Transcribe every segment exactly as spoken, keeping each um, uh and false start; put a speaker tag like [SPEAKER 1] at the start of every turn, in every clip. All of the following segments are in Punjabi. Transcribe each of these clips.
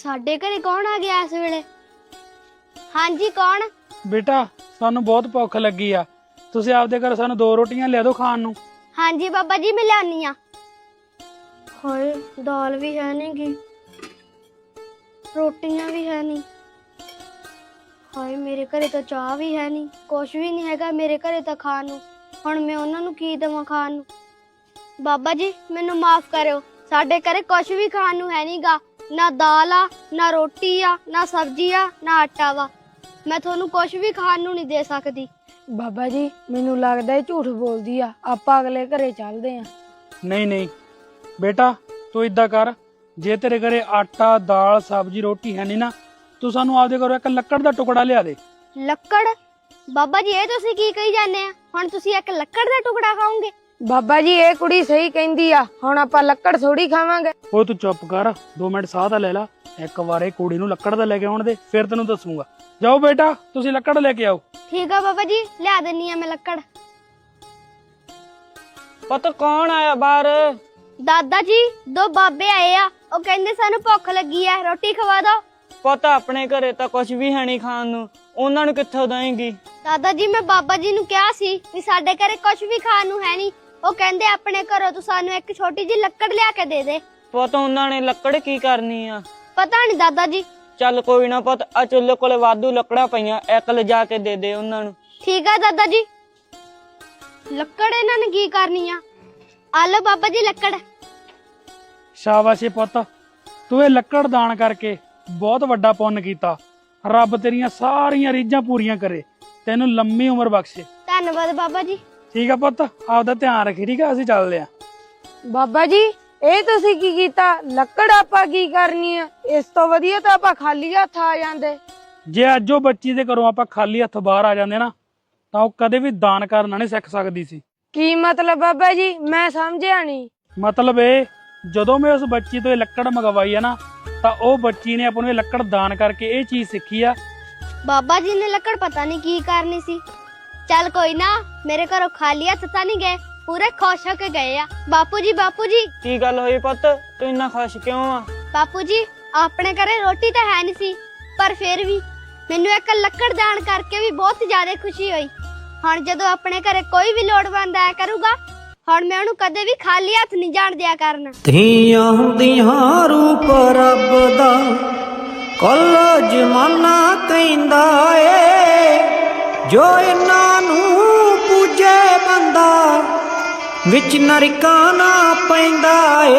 [SPEAKER 1] ਸਾਡੇ ਘਰੇ ਕੌਣ ਆ ਗਿਆ ਇਸ ਵੇਲੇ? ਹਾਂਜੀ ਕੌਣ?
[SPEAKER 2] बेटा सानू बहुत भुख लगी आ, तुसीं आपदे घर सानू दो रोटियां लिया दो खाण नू।
[SPEAKER 1] ਹਾਂਜੀ ਬਾਬਾ ਜੀ ਮੈਂ ਲਿਆਨੀ ਆ। ਹਾਏ ਦਾਲ ਵੀ ਹੈ ਨਹੀਂ ਗੀ, ਰੋਟੀਆਂ ਵੀ ਹੈ ਨਹੀਂ। ਹਾਏ ਮੇਰੇ ਘਰੇ ਤਾਂ ਚਾਹ ਵੀ ਹੈ ਨਹੀਂ, ਕੁਛ ਵੀ ਨਹੀਂ ਹੈਗਾ ਮੇਰੇ ਘਰੇ ਤਾਂ ਖਾਣ ਨੂੰ। ਹੁਣ ਮੈਂ ਉਹਨਾਂ ਨੂੰ ਕੀ ਦੇਵਾਂ ਖਾਣ ਨੂੰ? ਬਾਬਾ ਜੀ ਮੈਨੂੰ ਮਾਫ ਕਰਿਓ, ਸਾਡੇ ਘਰੇ ਕੁਛ ਵੀ ਖਾਣ ਨੂੰ ਹੈ ਨਹੀਂਗਾ। ਨਾ ਦਾਲ ਆ, ਨਾ ਰੋਟੀ ਆ, ਨਾ ਸਬਜ਼ੀ ਆ, ਨਾ ਆਟਾ ਵਾ। ਮੈਂ ਤੁਹਾਨੂੰ ਕੁਛ ਵੀ ਖਾਣ ਨੂੰ ਨਹੀਂ ਦੇ ਸਕਦੀ।
[SPEAKER 3] ਬਾਬਾ ਜੀ ਮੈਨੂੰ ਲੱਗਦਾ ਇਹ ਝੂਠ ਬੋਲਦੀ ਆ, ਆਪਾਂ ਅਗਲੇ ਘਰੇ ਚੱਲਦੇ ਆ।
[SPEAKER 2] नहीं नहीं बेटा तू इदा कर, जे तेरे घरे आटा दाल सब्जी रोटी है नहीं ना, तू सानू आपदे घरों एक लक्कड़ दा टुकड़ा लिया दे।
[SPEAKER 1] ਲੱਕੜ? ਬਾਬਾ ਜੀ ਇਹ ਤੁਸੀਂ ਕੀ ਕਹੀ ਜਾਂਦੇ ਆ? ਹੁਣ ਤੁਸੀਂ ਇੱਕ ਲੱਕੜ ਦਾ ਟੁਕੜਾ ਖਾਓਗੇ?
[SPEAKER 3] ਬਾਬਾ ਜੀ ਇਹ ਕੁੜੀ ਸਹੀ ਕਹਿੰਦੀ ਆ, ਹੁਣ ਆਪਾਂ ਲੱਕੜ ਥੋੜੀ ਖਾਵਾਂਗੇ।
[SPEAKER 2] ਓਏ तू चुप कर, दो मिनट साह ता ले ला। एक बार कुड़ी नू लक्कड़ दा लेके आउण दे, फिर तैनू दसूंगा। जाओ बेटा तुसी लक्कड़ लेके आओ।
[SPEAKER 1] ਠੀਕ ਆ ਬਾਬਾ ਜੀ ਲਿਆ ਦਿੰਨੀ ਆ ਮੈਂ ਲੱਕੜ।
[SPEAKER 4] ਪੁੱਤ ਕੌਣ ਆਇਆ ਬਾਹਰ?
[SPEAKER 1] ਦਾਦਾ ਜੀ ਦੋ ਬਾਬੇ ਆਏ ਆ, ਉਹ ਕਹਿੰਦੇ ਸਾਨੂੰ ਭੁੱਖ ਲੱਗੀ ਆ, ਰੋਟੀ ਖਵਾ ਦੋ।
[SPEAKER 4] ਪੁੱਤ ਆਪਣੇ ਘਰੇ ਤਾਂ ਕੁਝ ਵੀ ਹੈ ਨਹੀਂ ਖਾਣ ਨੂੰ, ਉਹਨਾਂ ਨੂੰ ਕਿੱਥੋਂ ਦੇਂਗੀ?
[SPEAKER 1] ਦਾਦਾ ਜੀ ਮੈਂ ਬਾਬਾ ਜੀ ਨੂੰ ਕਿਹਾ ਸੀ ਵੀ ਸਾਡੇ ਘਰੇ ਕੁਝ ਵੀ ਖਾਣ ਨੂੰ ਹੈ ਨਹੀਂ, ਉਹ ਕਹਿੰਦੇ ਆਪਣੇ ਘਰੋਂ ਤੂੰ ਸਾਨੂੰ ਇੱਕ ਛੋਟੀ ਜਿਹੀ ਲੱਕੜ ਲਿਆ ਕੇ ਦੇ ਦੇ।
[SPEAKER 4] ਪੁੱਤ ਉਹਨਾਂ ਨੇ ਲੱਕੜ ਕੀ ਕਰਨੀ ਆ?
[SPEAKER 1] ਪਤਾ ਨਹੀਂ ਦਾਦਾ ਜੀ।
[SPEAKER 4] ਚੱਲ ਕੋਈ ਨਾ ਪੁੱਤ, ਆ ਚੁੱਲ੍ਹੇ ਕੋਲੇ ਵਾਧੂ ਲੱਕੜਾਂ ਪਈਆਂ, ਇੱਕ ਲਿਜਾ ਕੇ ਦੇ ਦੇ ਉਹਨਾਂ ਨੂੰ।
[SPEAKER 1] ਠੀਕ ਆ ਦਾਦਾ ਜੀ। ਲੱਕੜ ਇਹਨਾਂ ਨੇ ਕੀ ਕਰਨੀ ਆ? ਆ ਲਓ ਬਾਬਾ ਜੀ ਲੱਕੜ।
[SPEAKER 2] शाबाश पुत्त, तू ये लक्कड़ दान करके बहुत वड्डा पुण्य कीता। रब तेरियां सारियां रीझां पूरियां करे, तैनू लंबी उम्र बख्शे।
[SPEAKER 1] ਧੰਨਵਾਦ ਬਾਬਾ ਜੀ।
[SPEAKER 2] ठीक है पुत्त, आपदा ध्यान रखी। ठीक है असीं चलदे आ।
[SPEAKER 3] ਬਾਬਾ ਜੀ ਇਹ ਤੁਸੀਂ ਕੀ ਕੀਤਾ? ਲੱਕੜ ਆਪਾਂ ਕੀ ਕਰਨੀ ਆ? ਇਸ ਤੋਂ ਵਧੀਆ ਤਾਂ ਆਪਾਂ ਖਾਲੀ ਹੱਥ ਆ ਜਾਂਦੇ।
[SPEAKER 2] ਜੇ ਅੱਜ ਉਹ ਬੱਚੀ ਦੇ ਘਰੋਂ ਆਪਾਂ ਖਾਲੀ ਹੱਥ ਬਾਹਰ ਆ ਜਾਂਦੇ ਨਾ, ਤਾਂ ਉਹ ਕਦੇ ਵੀ ਦਾਨ ਕਰਨਾ ਨਹੀਂ ਸਿੱਖ ਸਕਦੀ ਸੀ।
[SPEAKER 3] ਕੀ ਮਤਲਬ ਬਾਬਾ ਜੀ? ਮੈਂ ਸਮਝਿਆ ਨਹੀਂ।
[SPEAKER 2] ਮਤਲਬ ਇਹ, ਜਦੋਂ ਮੈਂ ਉਸ ਬੱਚੀ ਤੋਂ ਇਹ ਲੱਕੜ ਮੰਗਵਾਈ ਆ ਨਾ, ਤਾਂ ਉਹ ਬੱਚੀ ਨੇ ਆਪਾਂ ਨੂੰ ਇਹ ਲੱਕੜ ਦਾਨ ਕਰਕੇ ਇਹ ਚੀਜ਼ ਸਿੱਖੀ ਆ।
[SPEAKER 1] ਬਾਬਾ ਜੀ ਨੇ ਲੱਕੜ ਪਤਾ ਨਹੀਂ ਕੀ ਕਰਨੀ ਸੀ। ਚੱਲ ਕੋਈ ਨਾ, ਮੇਰੇ ਘਰੋਂ ਖਾਲੀ ਹੱਥ ਤਾਂ ਨਹੀਂ ਗਏ, ਪੂਰੇ ਖੁਸ਼ ਹੋ ਕੇ ਗਏ ਆ। ਬਾਪੂ ਜੀ ਬਾਪੂ ਜੀ।
[SPEAKER 4] ਕੀ ਗੱਲ ਹੋਈ ਪੁੱਤ, ਤੂੰ ਇੰਨਾ ਖੁਸ਼ ਕਿਉਂ ਆ?
[SPEAKER 1] ਬਾਪੂ ਜੀ ਆਪਣੇ ਘਰੇ ਰੋਟੀ ਤਾਂ ਹੈ ਨਹੀਂ ਸੀ, ਪਰ ਫਿਰ ਵੀ ਮੈਨੂੰ ਇੱਕ ਲੱਕੜ ਦਾਨ ਕਰਕੇ ਵੀ ਬਹੁਤ ਜ਼ਿਆਦਾ ਖੁਸ਼ੀ ਹੋਈ। ਹੁਣ ਜਦੋਂ ਆਪਣੇ ਘਰੇ ਕੋਈ ਵੀ ਲੋੜਵੰਦ ਆਇਆ ਕਰੂਗਾ, ਹੁਣ ਮੈਂ ਉਹਨੂੰ ਕਦੇ ਵੀ ਖਾਲੀ ਹੱਥ ਨਹੀਂ ਜਾਣ ਦਿਆ ਕਰਨਾ।
[SPEAKER 5] ਧੀਆਂ ਦੀਆਂ ਰੂਪ ਰੱਬ ਦਾ ਕੁੱਲ ਜ਼ਮਾਨਾ ਕਹਿੰਦਾ ਏ, ਜੋ ਇਹਨਾਂ ਨੂੰ ਪੂਜੇ ਬੰਦਾ ਵਿੱਚ ਨਰਕਾਂ ਨਾ ਪੈਂਦਾ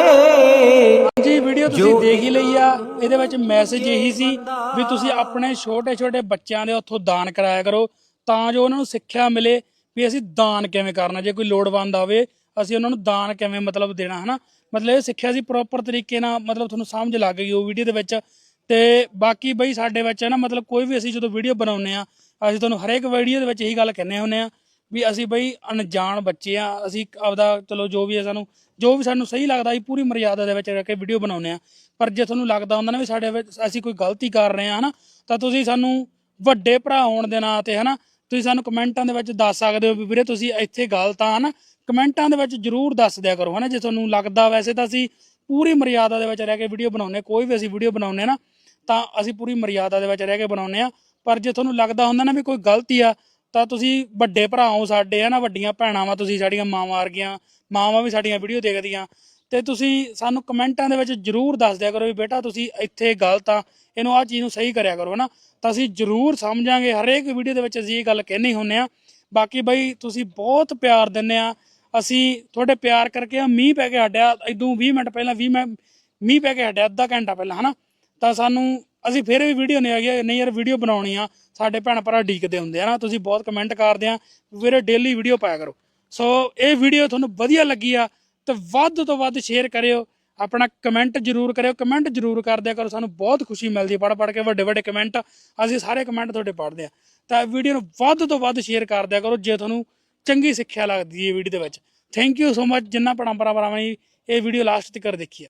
[SPEAKER 5] ਏ।
[SPEAKER 2] ਜੀ ਵੀਡੀਓ ਤੁਸੀਂ ਦੇਖ ਹੀ ਲਈ ਆ, ਇਹਦੇ ਵਿੱਚ ਮੈਸੇਜ ਇਹੀ ਸੀ ਵੀ ਤੁਸੀਂ ਆਪਣੇ ਛੋਟੇ ਛੋਟੇ ਬੱਚਿਆਂ ਦੇ ਉੱਥੋਂ ਦਾਨ ਕਰਾਇਆ ਕਰੋ, ਤਾਂ ਜੋ ਉਹਨਾਂ ਨੂੰ ਸਿੱਖਿਆ ਮਿਲੇ ਵੀ ਅਸੀਂ ਦਾਨ ਕਿਵੇਂ ਕਰਨਾ। ਜੇ ਕੋਈ ਲੋੜਵੰਦ ਆਵੇ ਅਸੀਂ ਉਹਨਾਂ ਨੂੰ ਦਾਨ ਕਿਵੇਂ ਮਤਲਬ ਦੇਣਾ, ਹਨਾ। ਮਤਲਬ ਇਹ ਸਿੱਖਿਆ ਸੀ ਪ੍ਰੋਪਰ ਤਰੀਕੇ ਨਾਲ, ਮਤਲਬ ਤੁਹਾਨੂੰ ਸਮਝ ਲੱਗ ਗਈ ਉਹ ਵੀਡੀਓ ਦੇ ਵਿੱਚ। ਤੇ ਬਾਕੀ ਬਈ ਸਾਡੇ ਵਿੱਚ ਨਾ ਮਤਲਬ ਕੋਈ ਵੀ ਅਸੀਂ ਜਦੋਂ ਵੀਡੀਓ ਬਣਾਉਂਦੇ ਆ, ਅਸੀਂ ਤੁਹਾਨੂੰ ਹਰੇਕ ਵੀਡੀਓ ਦੇ ਵਿੱਚ ਇਹੀ ਗੱਲ ਕਹਿੰਦੇ ਹੁੰਦੇ ਆ ਵੀ ਅਸੀਂ ਬਈ ਅਣਜਾਣ ਬੱਚੇ ਆ, ਅਸੀਂ ਆਪਦਾ ਚਲੋ ਜੋ ਵੀ ਹੈ ਸਾਨੂੰ ਜੋ ਵੀ ਸਾਨੂੰ ਸਹੀ ਲੱਗਦਾ ਅਸੀਂ ਪੂਰੀ ਮਰਿਆਦਾ ਦੇ ਵਿੱਚ ਰਹਿ ਕੇ ਵੀਡੀਓ ਬਣਾਉਂਦੇ ਆ। ਪਰ ਜੇ ਤੁਹਾਨੂੰ ਲੱਗਦਾ ਹੁੰਦਾ ਨਾ ਵੀ ਸਾਡੇ ਵਿੱਚ ਅਸੀਂ ਕੋਈ ਗਲਤੀ ਕਰ ਰਹੇ ਹਾਂ, ਹਨਾ, ਤਾਂ ਤੁਸੀਂ ਸਾਨੂੰ ਵੱਡੇ ਭਰਾ ਹੋਣ ਦੇ ਨਾਂ ਤੇ, ਹਨਾ, ਤੁਸੀਂ ਸਾਨੂੰ ਕਮੈਂਟਾਂ ਦੇ ਵਿੱਚ ਦੱਸ ਸਕਦੇ ਹੋ ਵੀ ਵੀਰੇ ਤੁਸੀਂ ਇੱਥੇ ਗਲਤ ਆ, ਹਨਾ। ਕਮੈਂਟਾਂ ਦੇ ਵਿੱਚ ਜ਼ਰੂਰ ਦੱਸ ਦਿਆ ਕਰੋ, ਹਨਾ, ਜੇ ਤੁਹਾਨੂੰ ਲੱਗਦਾ। ਵੈਸੇ ਤਾਂ ਅਸੀਂ ਪੂਰੀ ਮਰਿਆਦਾ ਦੇ ਵਿੱਚ ਰਹਿ ਕੇ ਵੀਡੀਓ ਬਣਾਉਂਦੇ, ਕੋਈ ਵੀ ਅਸੀਂ ਵੀਡੀਓ ਬਣਾਉਂਦੇ ਨਾ ਤਾਂ ਅਸੀਂ ਪੂਰੀ ਮਰਿਆਦਾ ਦੇ ਵਿੱਚ ਰਹਿ ਕੇ ਬਣਾਉਂਦੇ ਆ। ਪਰ ਜੇ ਤੁਹਾਨੂੰ ਲੱਗਦਾ ਹੁੰਦਾ ਨਾ ਵੀ ਕੋਈ ਗਲਤੀ ਆ, ਤਾਂ ਤੁਸੀਂ ਵੱਡੇ ਭਰਾ ਹੋ ਸਾਡੇ, ਹੈ ਨਾ, ਵੱਡੀਆਂ ਭੈਣਾਂ ਵਾ ਤੁਸੀਂ, ਸਾਡੀਆਂ ਮਾਵਾਂ ਵਰਗੀਆਂ, ਮਾਵਾਂ ਵੀ ਸਾਡੀਆਂ ਵੀਡੀਓ ਦੇਖਦੀਆਂ, ਤੇ ਤੁਸੀਂ ਸਾਨੂੰ ਕਮੈਂਟਾਂ ਦੇ ਵਿੱਚ ਜ਼ਰੂਰ ਦੱਸ ਦਿਆ ਕਰੋ ਵੀ ਬੇਟਾ ਤੁਸੀਂ ਇੱਥੇ ਗਲਤ ਆ, ਇਹਨੂੰ ਆਹ ਚੀਜ਼ ਨੂੰ ਸਹੀ ਕਰਿਆ ਕਰੋ, ਹਨਾ। ਤਾਂ ਅਸੀਂ ਜ਼ਰੂਰ ਸਮਝਾਂਗੇ, ਹਰੇਕ ਵੀਡੀਓ ਦੇ ਵਿੱਚ ਅਸੀਂ ਇਹ ਗੱਲ ਕਹਿੰਦੇ ਹੁੰਦੇ ਆ। ਬਾਕੀ ਬਈ ਤੁਸੀਂ ਬਹੁਤ ਪਿਆਰ ਦਿੰਦੇ ਆ, ਅਸੀਂ ਤੁਹਾਡੇ ਪਿਆਰ ਕਰਕੇ ਆ ਮੀਂਹ ਪੈ ਕੇ ਹਟਿਆ, ਇਦੋਂ ਵੀਹ ਮਿੰਟ ਪਹਿਲਾਂ ਵੀਹ ਮਿੰਟ ਮੀਂਹ ਪੈ ਕੇ ਹਟਿਆ, ਅੱਧਾ ਘੰਟਾ ਪਹਿਲਾਂ, ਹਨਾ। ਤਾਂ ਸਾਨੂੰ ਅਸੀਂ ਫਿਰ ਵੀ ਵੀਡੀਓ ਨਹੀਂ ਆ ਗਈ, ਨਹੀਂ ਯਾਰ ਵੀਡੀਓ ਬਣਾਉਣੀ ਆ, ਸਾਡੇ ਭੈਣ ਭਰਾ ਡੀਕਦੇ ਹੁੰਦੇ ਆ ਨਾ। ਤੁਸੀਂ ਬਹੁਤ ਕਮੈਂਟ ਕਰਦੇ ਆ ਵੀਰੇ ਡੇਲੀ ਵੀਡੀਓ ਪਾਇਆ ਕਰੋ। ਸੋ ਇਹ ਵੀਡੀਓ ਤੁਹਾਨੂੰ ਵਧੀਆ ਲੱਗੀ ਆ ਤਾਂ ਵੱਧ ਤੋਂ ਵੱਧ ਸ਼ੇਅਰ ਕਰਿਓ, ਆਪਣਾ ਕਮੈਂਟ ਜ਼ਰੂਰ ਕਰਿਓ, ਕਮੈਂਟ ਜ਼ਰੂਰ ਕਰ ਦਿਆ ਕਰੋ, ਸਾਨੂੰ ਬਹੁਤ ਖੁਸ਼ੀ ਮਿਲਦੀ ਪੜ੍ਹ ਪੜ੍ਹ ਕੇ ਵੱਡੇ ਵੱਡੇ ਕਮੈਂਟ, ਅਸੀਂ ਸਾਰੇ ਕਮੈਂਟ ਤੁਹਾਡੇ ਪੜ੍ਹਦੇ ਆ। ਤਾਂ ਵੀਡੀਓ ਨੂੰ ਵੱਧ ਤੋਂ ਵੱਧ ਸ਼ੇਅਰ ਕਰ ਦਿਆ ਕਰੋ ਜੇ ਤੁਹਾਨੂੰ ਚੰਗੀ ਸਿੱਖਿਆ ਲੱਗਦੀ ਹੈ ਵੀਡੀਓ ਦੇ ਵਿੱਚ। ਥੈਂਕ ਯੂ ਸੋ ਮਚ ਜਿੰਨਾ ਭੈਣਾਂ ਭਰਾਵਾਂ ਨੇ ਇਹ ਵੀਡੀਓ ਲਾਸਟ ਤੱਕ ਦੇਖੀ ਆ।